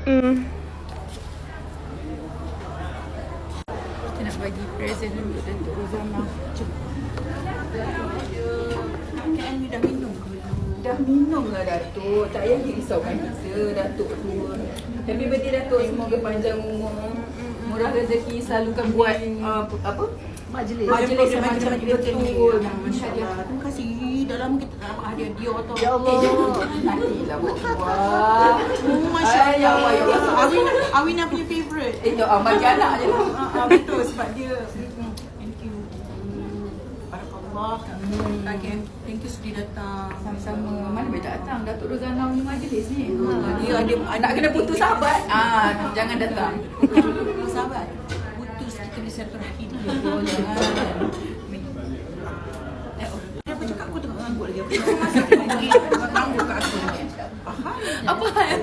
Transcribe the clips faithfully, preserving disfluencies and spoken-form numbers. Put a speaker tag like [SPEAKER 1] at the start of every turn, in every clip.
[SPEAKER 1] Mm-mm.
[SPEAKER 2] Kita nak bagi present untuk Datuk Rozana. Kan you dah minum ke?
[SPEAKER 3] Dah minum lah Datuk. Tak payah risaukan kita Datuk tu. Happy birthday Datuk. Semoga panjang umur. Murah rezeki. Selalukan buat uh, apa?
[SPEAKER 2] Majlis.
[SPEAKER 3] Majlis yang macam betul.
[SPEAKER 2] Masya-Allah. Terima kasih. Dah lama kita tak dapat hadiah dia tau.
[SPEAKER 3] Ya Allah. Nantilah buat buat.
[SPEAKER 2] Oh, Masya-Allah.
[SPEAKER 3] Ay, ya Allah.
[SPEAKER 2] Awina, Awina punya favourite.
[SPEAKER 3] Eh, ah, bagi anak je lah.
[SPEAKER 2] Ah, ah, betul sebab dia. Thank you. Barakallah. Okay. Thank you sudi datang.
[SPEAKER 3] Sama-sama. Mana boleh tak datang Datuk Rozana punya majlis ni.
[SPEAKER 2] Ah, dia ada
[SPEAKER 3] Nak kena putus sahabat. Ah, jangan datang.
[SPEAKER 2] sahabat. Putus kita boleh silaturahim.
[SPEAKER 3] Betul, jangan.
[SPEAKER 2] Dia apa cakap aku tengok ngangguk lagi. Apa masa aku ngangguk kat aku.
[SPEAKER 3] Apa hal?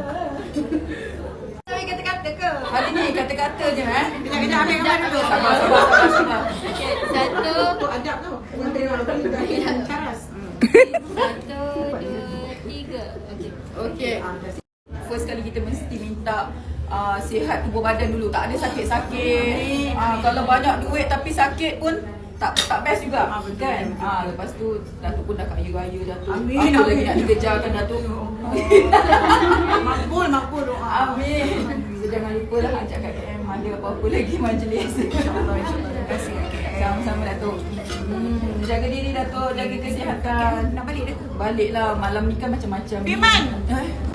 [SPEAKER 2] Sampai kata-kata ke?
[SPEAKER 3] Hari ni kata-kata je eh.
[SPEAKER 2] Kejap-kejap ambil gambar dulu.
[SPEAKER 3] Sabar, sabar, sabar, sabar.
[SPEAKER 4] Okay, satu,
[SPEAKER 2] Untuk adab tau. Caras.
[SPEAKER 4] satu, dua, tiga. Okay.
[SPEAKER 3] Okey. First kali kita mesti minta uh, sihat tubuh badan dulu. Tak ada sakit-sakit. Uh, kalau banyak duit tapi sakit pun tak tak best juga.
[SPEAKER 2] Ah, betul,
[SPEAKER 3] Kan?
[SPEAKER 2] betul.
[SPEAKER 3] Ah, lepas tu Datuk pun dah kaya-kaya Datuk.
[SPEAKER 2] Amin,
[SPEAKER 3] Apa lagi
[SPEAKER 2] amin.
[SPEAKER 3] nak dikejarkan Datuk?
[SPEAKER 2] Makbul, makbul doa.
[SPEAKER 3] Amin. So, jangan lupa lah ajak Kak K M ada apa-apa lagi majlis.
[SPEAKER 2] InsyaAllah, insyaAllah. Terima kasih Kak K M.
[SPEAKER 3] Sama-sama Datuk. Hmm, jaga diri Datuk, jaga kesihatan.
[SPEAKER 2] Nak balik dah ke?
[SPEAKER 3] Baliklah, malam ni kan macam-macam.
[SPEAKER 2] Firman!
[SPEAKER 3] Eh?